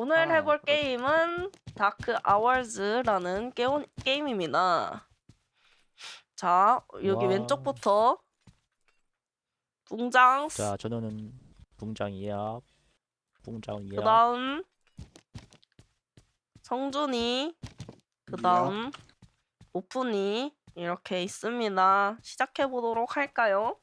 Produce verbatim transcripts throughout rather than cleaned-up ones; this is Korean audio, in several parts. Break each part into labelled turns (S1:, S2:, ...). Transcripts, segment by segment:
S1: 오늘
S2: 아,
S1: 해볼
S2: 그렇-
S1: 게임은 다크 아워즈라는 게임, 게임입니다. 자, 여기
S2: 와.
S1: 왼쪽부터 붕장,
S2: 자, 저는 붕장이야.
S1: 그
S2: 붕장이야.
S1: 다음 성준이, 그 다음 오픈이 이렇게 있습니다. 시작해보도록 할까요?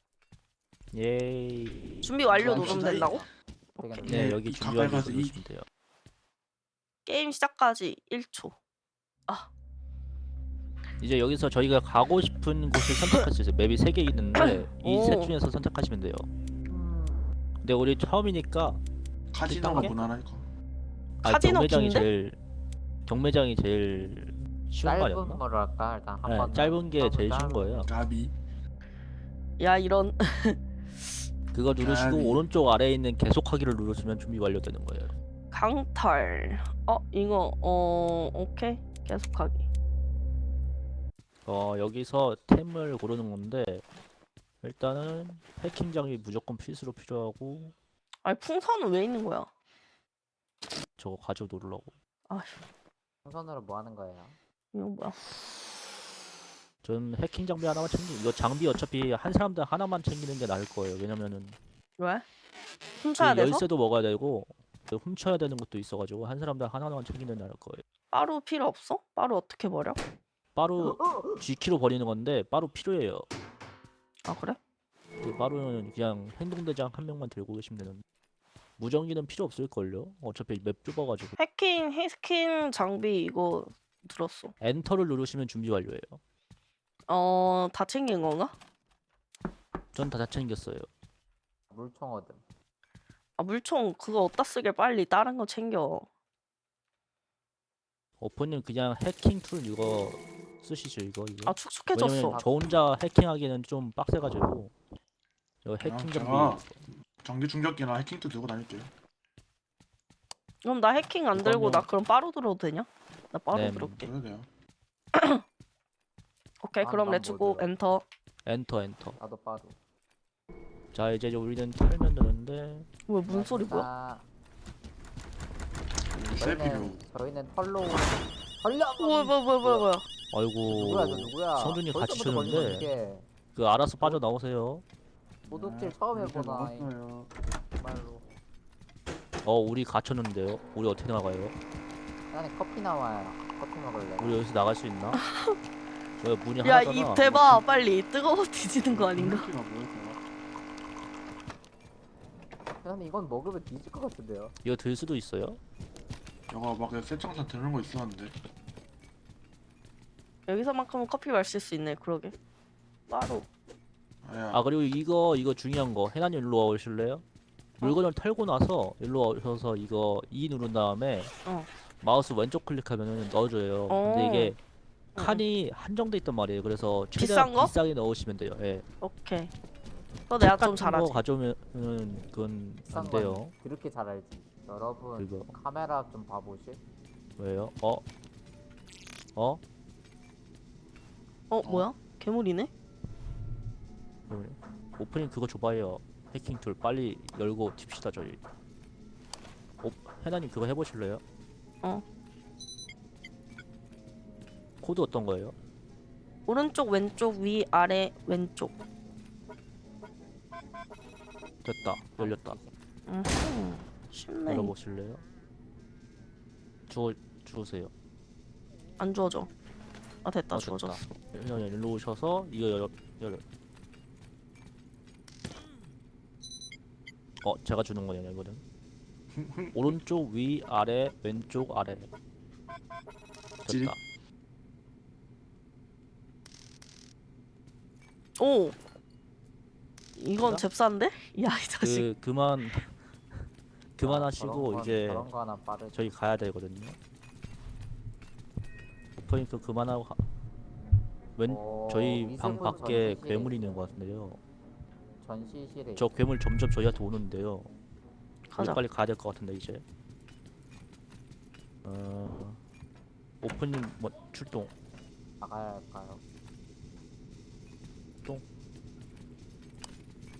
S2: 예이.
S1: 준비 완료
S3: 자,
S1: 누르면
S3: 시작이-
S1: 된다고?
S2: 네,
S3: 네,
S2: 여기
S3: 이
S2: 준비
S3: 가까이
S2: 완료
S3: 가서 이-
S2: 누르시면 돼요.
S1: 게임 시작까지 일 초.
S2: 이제 여기서 저희가 가고 싶은 곳을 선택할 수 있어요. 맵이 세 개 있는데 이 셋
S1: 오.
S2: 중에서 선택하시면 돼요. 근데 우리 처음이니까
S3: 카지노가
S2: 일단
S3: 무난할까?
S2: 아,
S1: 카지노
S2: 경매장이
S1: 긴데?
S2: 제일 경매장이 제일 쉬운 거
S4: 짧은
S2: 아니었나?
S4: 거로 할까? 일단 한
S2: 네,
S4: 번
S2: 짧은 게 제일 쉬운 거예요.
S3: 가비.
S1: 야, 이런.
S2: 그거 누르시고
S3: 가비.
S2: 오른쪽 아래에 있는 계속하기를 누르시면 준비 완료되는 거예요.
S1: 강탈. 어, 이거, 어, 오케이. 계속하기.
S2: 어, 여기서 템을 고르는 건데 일단은 해킹 장비 무조건 필수로 필요하고
S1: 아니, 풍선은 왜 있는 거야?
S2: 저거 가지고 놀으려고.
S1: 아휴,
S4: 풍선으로 뭐 하는 거예요?
S1: 이거 뭐야?
S2: 전 해킹 장비 하나만 챙기. 이거 장비 어차피 한 사람당 하나만 챙기는 게 나을 거예요. 왜냐면은
S1: 왜?
S2: 그
S1: 훔쳐야 돼서?
S2: 열쇠도 먹어야 되고 그 훔쳐야 되는 것도 있어가지고 한 사람당 하나만 챙기는 게 나을 거예요.
S1: 빠루 필요 없어? 빠루 어떻게 버려?
S2: 빠루 G키로 버리는 건데 빠루 필요해요.
S1: 아, 그래?
S2: 그 빠루는 그냥 행동대장 한 명만 들고 계시면 되는데 무전기는 필요 없을걸요? 어차피 맵 좁아가지고.
S1: 해킹, 해킹 장비 이거 들었어.
S2: 엔터를 누르시면 준비 완료예요.
S1: 어, 다 챙긴 건가?
S2: 전 다 챙겼어요.
S4: 물총 얻음.
S1: 아, 물총 그거 어디다 쓰게 빨리 다른 거 챙겨.
S2: 오퍼님 그냥 해킹 툴 이거 쓰시죠 이거 이거.
S1: 아, 축축해졌어.
S2: 왜냐면 저 혼자 해킹하기는 좀 빡세가지고 이거 해킹 장비.
S3: 제가 전기 충격기나 해킹도 들고 다닐게요.
S1: 그럼 나 해킹 안 들고 나
S2: 그거는-
S1: 그럼 빠루 들어도 되냐? 나 빠루
S2: 네,
S1: 들을게.
S3: 그래도 돼요.
S1: 오케이,
S4: 난-
S1: 그럼
S4: 난
S1: 렛츠고
S4: 뭐 들어?
S1: 엔터.
S2: 엔터 엔터.
S4: 나도 빠루.
S2: 자 이제 우리는 털면 되는데
S1: 왜 무슨 소리 뭐야?
S4: 아,
S3: 셀 필요.
S4: 저희는 저희는 털로 털려.
S1: 뭐야, 뭐야, 뭐야, 뭐야, 뭐야?
S2: 아이고
S4: 누구야 저 누구야?
S2: 성준이 같이
S4: 벌써부터 걸리면
S2: 주는데
S4: 어떡해.
S2: 그 알아서 빠져나오세요.
S4: 도둑질 처음 해보나. 이
S3: 먹었어요.
S4: 말로.
S2: 어 우리 갇혔는데요. 우리 어떻게 나가요?
S4: 안에 커피 나와요. 커피 먹을래.
S2: 우리 여기서 나갈 수 있나? 저 문이
S1: 야,
S2: 하나잖아.
S1: 입 대봐, 빨리. 뜨거워 뒤지는 거 아닌가?
S3: 충격기가 뭐였어요?
S4: 근데 이건 먹으면 뒤질 것 같은데요.
S2: 이거 들 수도 있어요?
S3: 저거 막 세창산 드는 거 있었는데.
S1: 여기서만큼은 커피 마실 수 있네, 그러게. 빠루.
S3: 아야.
S2: 아 그리고 이거 이거 중요한 거 해나님 일로 와 오실래요? 물건을 털고 나서 일로 오셔서 이거 E 누른 다음에
S1: 어.
S2: 마우스 왼쪽 클릭하면은 넣어줘요.
S1: 어.
S2: 근데 이게
S1: 응,
S2: 칸이 한정돼 있단 말이에요. 그래서
S1: 비싼
S2: 최대한
S1: 거?
S2: 비싸게 넣으시면 돼요. 예.
S1: 오케이. 그거 내가 좀
S2: 거
S1: 잘하지.
S2: 가져오면은 그건
S4: 비싼
S2: 안
S4: 건
S2: 돼요.
S4: 그렇게 잘 알지. 여러분
S2: 그거.
S4: 카메라 좀 봐보실?
S2: 왜요? 어? 어?
S1: 어, 뭐야? 괴물이네?
S2: 그러네. 오프닝 그거 줘봐요. 해킹 툴 빨리 열고 팁시다 저희. 오, 해나님 그거 해보실래요?
S1: 어.
S2: 코드 어떤 거예요?
S1: 오른쪽, 왼쪽, 위, 아래, 왼쪽.
S2: 됐다. 열렸다.
S1: 음, 쉽네.
S2: 열어보실래요? 주 주세요.
S1: 안 주워져. 아, 됐다,
S2: 어,
S1: 주워졌어.
S2: 됐다. 일로 오셔서 이거 열어 열어. 어 제가 주는 거예요 이거는. 오른쪽 위 아래 왼쪽 아래.
S3: 찌릿.
S2: 됐다.
S1: 오! 이건
S2: 됐다?
S1: 잽싼데? 야, 이 자식.
S2: 그 그만
S4: 아,
S2: 그만하시고
S4: 저런 건-
S2: 이제
S4: 저런 거 하나 빠르.
S2: 저희 가야 되거든요. 오프닝크 그만하고 가... 왼
S4: 어,
S2: 저희 방
S4: 미승분
S2: 밖에
S4: 전시실에
S2: 괴물이 있는
S4: 있어요.
S2: 것 같은데요.
S4: 전시실에.
S2: 저 괴물 점점 저희한테 오는데요. 우리
S1: 가자.
S2: 빨리 가야 될 것 같은데 이제. 어... 오프닝 뭐 출동.
S4: 나가야 할까요?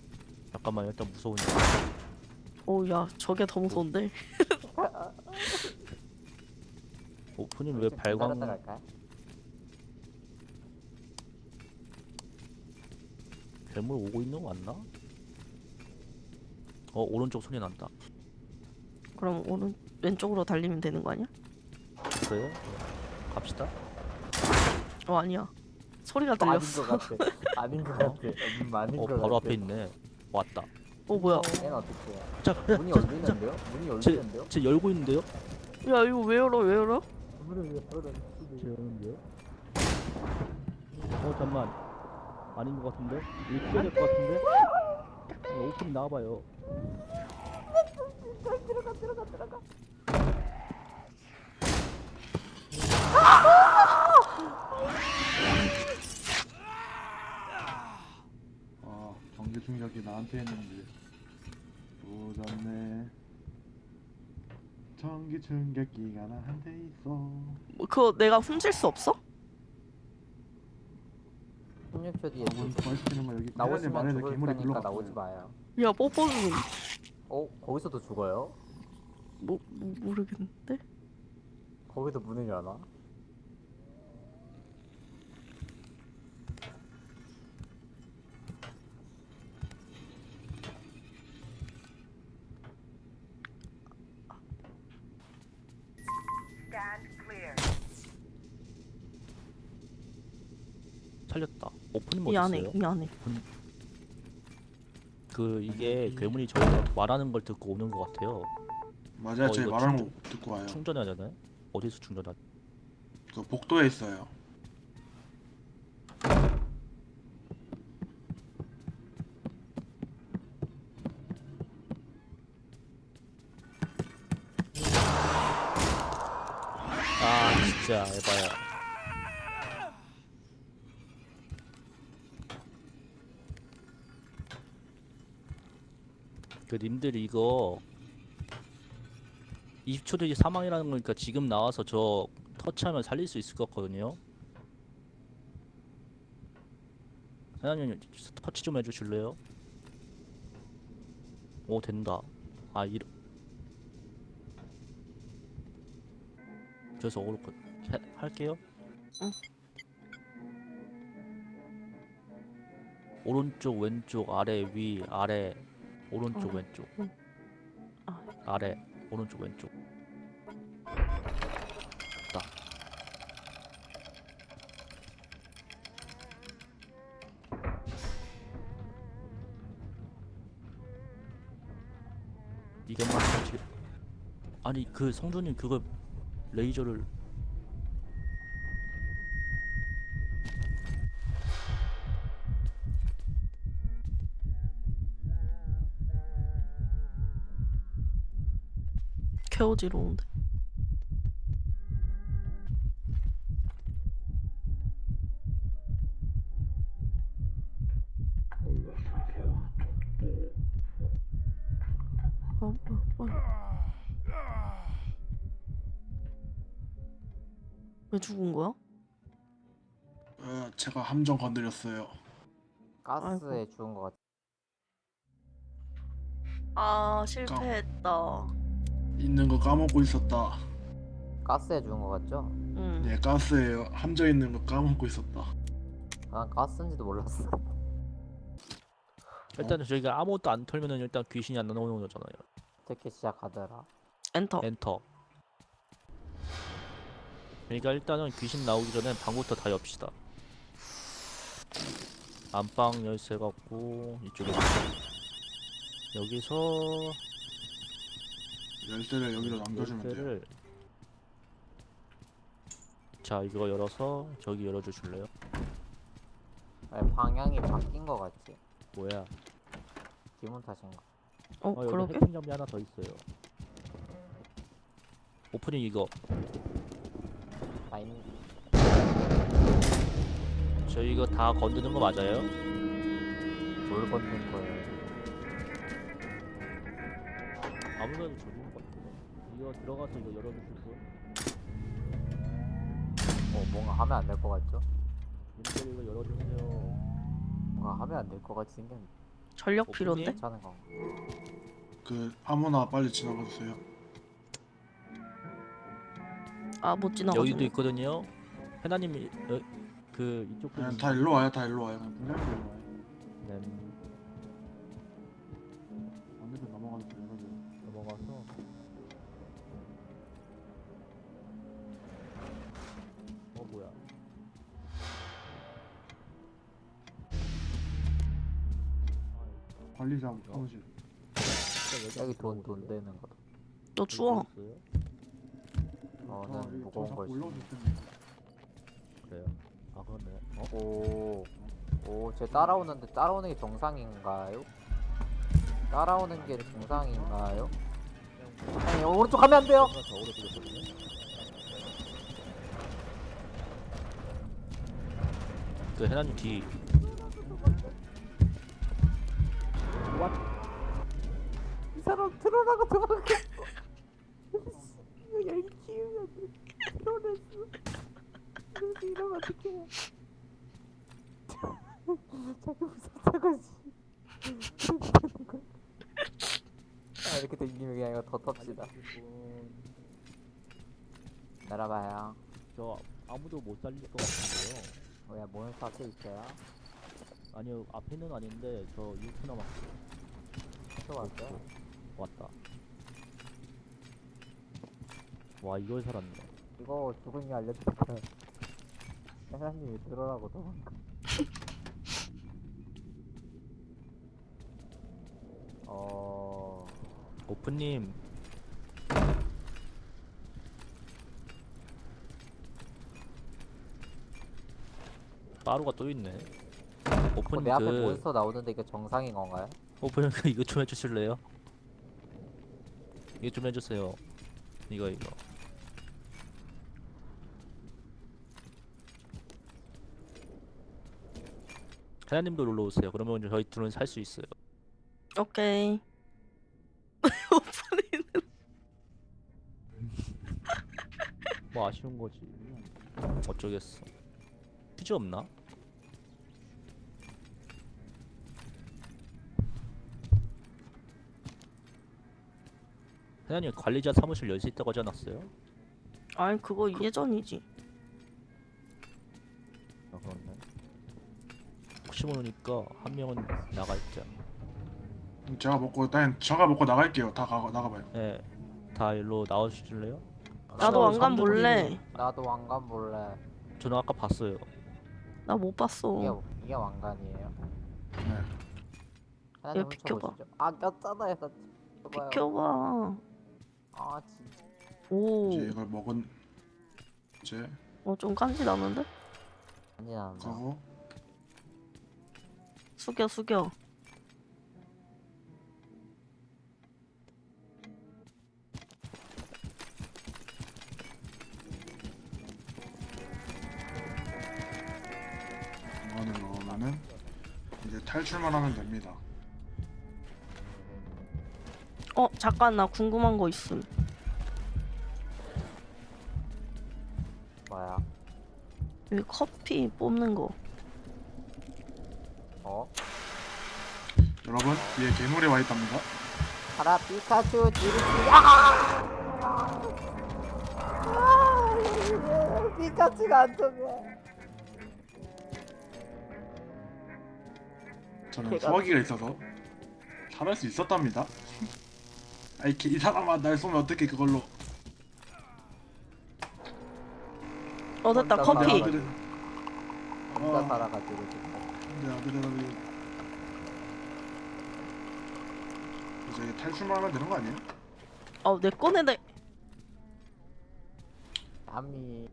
S2: 잠깐만 일단 무서우니까.
S1: 오, 야, 저게 더 무서운데?
S2: 오프닝 왜
S4: 좀
S2: 발광
S4: 기다렸다 갈까요?
S2: 괴물 오고 있는 거 맞나? 어 오른쪽 소리 난다.
S1: 그럼 오른 왼쪽으로 달리면 되는 거 아니야?
S2: 그래요? 갑시다.
S1: 어 아니야. 소리가
S4: 또 아닌
S1: 들렸어.
S4: 것 같아. 아닌 것 같아. 음, 아닌
S2: 어
S4: 것
S2: 바로
S4: 같아.
S2: 앞에 있네. 왔다.
S1: 어 뭐야?
S4: 얘는 어떻게 해?
S2: 자,
S4: 문이
S2: 자,
S4: 열리는데요? 문이
S2: 제-
S4: 열리는데요?
S2: 제 열고 있는데요?
S1: 야 이거 왜 열어 왜 열어?
S4: 문을 왜 열어?
S2: 제 열는데요? 어 잠만. 아닌 것 같은데? 이거 튀어야 될 것 같은데? 어, 오프닝 나와봐요.
S4: 들어가 들어가 들어가.
S3: 아 전기 충격기 나한테 했는데 조졌네. 전기 충격기가 나한테 있어.
S1: 뭐, 그거 내가 훔칠 수 없어?
S4: 십육 초 뒤에
S3: 아군 부활시키는 거 여기
S4: 나오시면
S3: 헤라님 말해도
S4: 죽을
S3: 괴물이
S4: 테니까
S3: 굴러갔어요.
S4: 나오지 마요.
S1: 야 뽀뽀는
S4: 어? 거기서도 죽어요?
S1: 뭐, 뭐 모르겠는데?
S4: 거기도 문을 여나?
S2: 살렸다. 오프닝
S1: 이
S2: 뭐
S1: 안에
S2: 있어요?
S1: 이 안에.
S2: 그 이게 괴물이 저희가 말하는 걸 듣고 오는 것 같아요.
S3: 맞아요.
S2: 어,
S3: 저희
S2: 이거
S3: 말하는
S2: 충전-
S3: 거 듣고 와요.
S2: 충전해야 되나요? 어디서 충전하?
S3: 그 복도에 있어요.
S2: 아 진짜 에바야. 그 님들 이거 이십 초 뒤에 사망이라는 거니까 지금 나와서 저 터치하면 살릴 수 있을 것 같거든요. 사장님 터치 좀 해주실래요? 오 된다. 아 이러 그래서 어그로 컷 해- 할게요.
S1: 응.
S2: 오른쪽 왼쪽 아래 위 아래 오른쪽
S1: 어.
S2: 왼쪽
S1: 응. 아.
S2: 아래 오른쪽 왼쪽. 나 이것만 터치. 아니 그 성준님 그거 레이저를
S1: 개어지러운데. 어, 어, 어. 왜 죽은 거야?
S3: 어, 제가 함정 건드렸어요.
S4: 가스에 죽은 것 같아.
S1: 아 실패했다.
S3: 있는 거 까먹고 있었다.
S4: 가스에 죽은 것 같죠?
S1: 응.
S3: 네 가스예요. 함정 있는 거 까먹고 있었다.
S4: 난 가스인지도 몰랐어.
S2: 일단은 저희가 아무것도 안 털면은 일단 귀신이 안 나오는 거잖아요.
S4: 어떻게 시작하더라?
S1: 엔터.
S2: 엔터. 그러니까 일단은 귀신 나오기 전에 방부터 다 엽시다. 안방 열쇠 갖고 이쪽에 여기서
S3: 열쇠를 여기로 남겨주면 돼요.
S2: 열쇠를 자 이거 열어서 저기 열어주실래요?
S4: 아니, 방향이 바뀐 것 같지?
S2: 뭐야?
S4: 기분 탓인가?
S1: 어,
S2: 어 여기
S1: 그러게?
S2: 해킹점이 하나 더 있어요. 오프닝 이거
S4: 나 이미
S2: 저 이거 다 건드는 거 맞아요?
S4: 뭘 건든 거예요?
S2: 아무래도 저기인 것 같은데. 이거 들어가서 이거 열어주실 분?
S4: 어, 뭔가 하면 안 될 것 같죠?
S2: 님들 이거 열어주세요.
S4: 뭔가 하면 안 될 것 같이 생겼는데
S1: 전력
S2: 오프닝?
S1: 필요인데?
S4: 괜찮은 건가?
S3: 그 아무나 빨리 지나가 주세요.
S1: 아 못 지나가죠.
S2: 여기도 있거든요. 해나님이 여, 그 이쪽
S3: 그냥
S2: 분
S3: 다 일로 와요. 다 일로 와요. 그냥 분량도 일로 와요.
S2: 네,
S3: 반대편 넘어가서 열어줘요.
S2: 넘어가서 어 뭐야?
S3: 관리자 사무실.
S4: 여기 돈 돈 되는 거다.
S1: 너 주워.
S4: 어,
S3: 저
S4: 난
S3: 여기
S4: 무거운
S3: 저
S4: 걸
S3: 자꾸 올라오실
S4: 쓰네.
S3: 텐데.
S2: 그래요? 아 그러네. 어?
S4: 오, 오, 쟤 따라오는데 따라오는 게 정상인가요? 따라오는 게 정상인가요? 아니, 오른쪽 가면 안 돼요.
S2: 뭔가 더 오래 걸렸거든요. 그 해나님 뒤.
S4: 이 사람 트롤하고 도망갔어. 이거 열기 키우면 트롤했어. 이렇게 이러면 어떡해. 자기 무섭다고지. 아, 이렇게 댕기면 그냥 이거 더 텁시다. 날아봐요.
S2: 저 아무도 못 살릴 것 같은데요.
S4: 뭐야, 몬스터 앞에 있어요?
S2: 아니요 앞에는 아닌데 저 육 분 남았어요.
S4: 또 왔어요?
S2: 왔다. 와 이걸 살았네.
S4: 이거 죽은 게 알려드릴까요? 사장님이 들어라고 도망가. 어...
S2: 오프님 빠루가 또 있네.
S4: 어,
S2: 오프님
S4: 내 앞에
S2: 그
S4: 몬스터 나오는데 이게 정상인 건가요?
S2: 오프님 그 이거 좀 해주실래요? 이거 좀 해주세요. 이거 이거. 하나님도 놀러 오세요. 그러면 저희 둘은 살 수 있어요.
S1: 오케이. 오프닝.
S2: 뭐 아쉬운 거지. 어쩌겠어. 퓨즈 없나? 회장님 관리자 사무실 열 수 있다고 하지 않았어요?
S1: 아니 그거 예전이지.
S2: 아 그렇네. 혹시 모르니까 한 명은 나가 있자.
S3: 제가 먹고 일단 제가 먹고 나갈게요. 다 가, 나가봐요.
S2: 네, 다 일로 나와주실래요?
S1: 나도
S2: 아,
S1: 왕관
S2: 삼등분이면-
S1: 볼래.
S4: 나도 왕관 볼래.
S2: 저는 아까 봤어요.
S1: 나 못 봤어.
S4: 이게, 이게 왕관이에요?
S3: 네.
S4: 하나님
S1: 이거 비켜봐.
S4: 훔쳐보시죠. 아, 꼈잖아요. 나 비켜봐요.
S1: 비켜봐.
S4: 아, 진짜.
S1: 오.
S3: 이제 이걸 먹은 이제
S1: 어좀 깐지 나는데?
S4: 아니, 나
S3: 가고
S1: 숙여 숙여.
S3: 이거를 넣으면은 이제 탈출만 하면 됩니다.
S1: 어 잠깐 나 궁금한 거 있음.
S4: 뭐야?
S1: 여기 커피 뽑는 거.
S4: 어?
S3: 여러분 뒤에 괴물이 와 있답니다.
S4: 가라, 피카츄, 지르지. 아! 아! 피카츄가 안 통해.
S3: 저는
S4: 걔가-
S3: 소화기가 있어서 살할 수 있었답니다. 아이 개- 이 사람아 날 쏘면 어떻게 그걸로?
S1: 어 됐다
S4: 혼자
S1: 커피.
S4: 살아가지고.
S3: 아들은
S4: 혼자
S3: 어.
S4: 살아가지고 지금.
S3: 내 아들은 아들. 이제 이게 탈출만 하면 되는 거 아니에요?
S1: 어내 꺼내네.
S4: 남이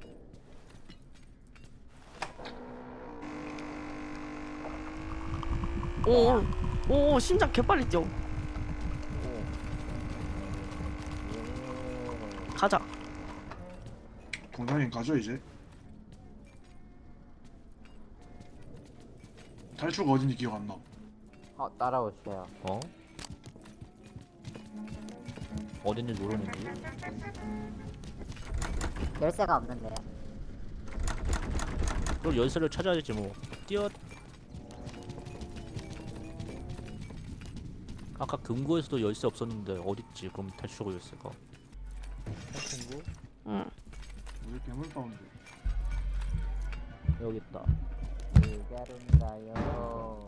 S1: 오오 심장 개빨리 뛰어. 가자.
S3: 공장님 가죠 이제. 탈출가 어딘지 기억 안 나.
S4: 어, 따라오세요.
S2: 어? 어딘지 모르는지.
S5: 열쇠가 없는데요.
S2: 그럼 열쇠를 찾아야지 뭐. 뛰어. 아까 금고에서도 열쇠 없었는데 어딨지? 그럼 탈출구 열쇠가. 탈출구?
S1: 응.
S3: 괴물 사운드.
S2: 여기 있다.
S4: 불가른가요.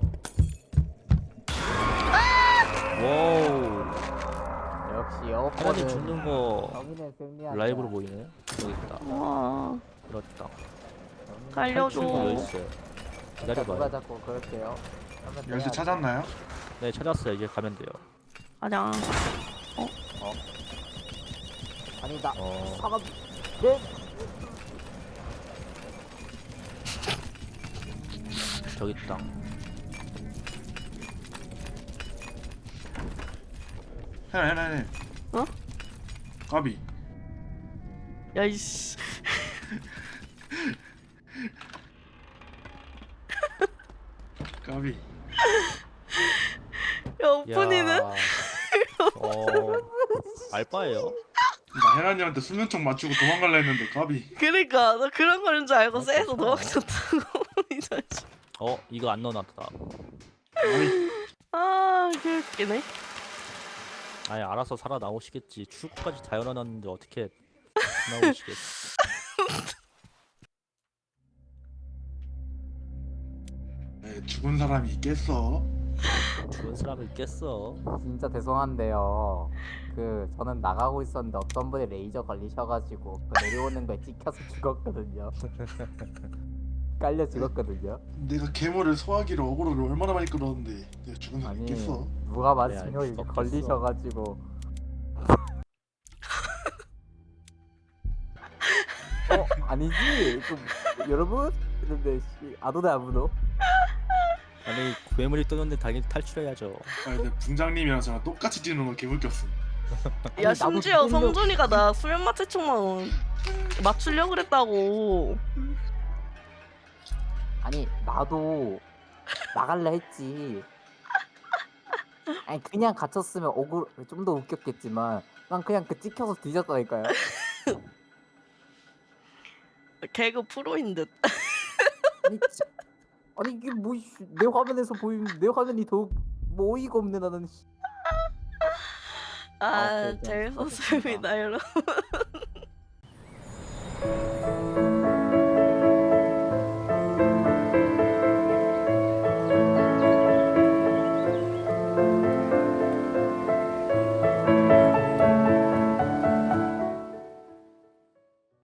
S2: 와우.
S4: 역시
S2: 헤나님
S4: 어퍼는
S2: 죽는 거
S4: 정의는 승리한다.
S2: 라이브로 보이네. 여기 있다.
S1: 와
S2: 그렇다.
S4: 정의는
S1: 깔려줘.
S2: 탈출구
S1: 오.
S2: 여기 있어요.
S4: 그러니까 누가
S2: 기다려봐요.
S4: 자꾸 그럴게요. 그러면
S3: 열쇠
S4: 돼야지.
S3: 찾았나요?
S2: 네 찾았어요. 이제 가면 돼요.
S1: 아냐
S4: 아니 나
S2: 어.
S4: 사과 네.
S2: 저기 있다.
S3: 해나 해나 해나.
S1: 어?
S3: 까비.
S1: 야이씨
S3: 까비.
S1: 야 오프니는
S2: 야. 어. 알바예요.
S3: 나 해나님한테 수면총 맞추고 도망갈라 했는데 까비.
S1: 그러니까 나 그런 거인 줄 알고
S2: 아,
S1: 쎄서
S2: 괜찮아.
S1: 도망쳤다고 이 자식.
S2: 어 이거 안 넣어놨다.
S3: 아이,
S1: 아 개웃기네.
S2: 아예 알아서 살아 나오시겠지. 출구까지 다 열어놨는데 어떻게 나오시겠지.
S3: 에, 죽은 사람이 있겠어?
S2: 죽은 사람이 있겠어.
S4: 진짜 죄송한데요. 그 저는 나가고 있었는데 어떤 분이 레이저 걸리셔가지고 그 내려오는 거에 찍혀서 죽었거든요. 깔려 죽었거든요.
S3: 내가 괴물을 소화기로 어그로를 얼마나 많이 끌었는데 내가 죽은 사람이
S4: 아니
S3: 있겠어?
S4: 누가
S2: 네, 알
S4: 마침표
S2: 수가 없겠어.
S4: 걸리셔가지고. 어 아니지. 그, 여러분 근데 씨, 아도네 아무도.
S2: 아니 괴물이 뜨는데 당연히 탈출해야죠.
S3: 아니 내 분장님이랑 저랑 똑같이 뛰는 거 개물 꼈음.
S1: 야
S4: 나도
S1: 심지어
S4: 찔려-
S1: 성준이가 나 수면 마취총만 맞추려고 그랬다고.
S4: 아니 나도 나갈래 했지. 아니 그냥 갇혔으면 억울 좀 더 웃겼겠지만 난 그냥 그 찍혀서 뒤졌다니까요.
S1: 개그 프로인 듯.
S4: 아니, 지- 아니 이게 뭐 내 화면에서 보이는 내 화면이 더욱 뭐 어이가 없네 나는. 씨.
S1: 아
S4: 아, 오케이, 오케이.
S1: 재밌었습니다 여러분.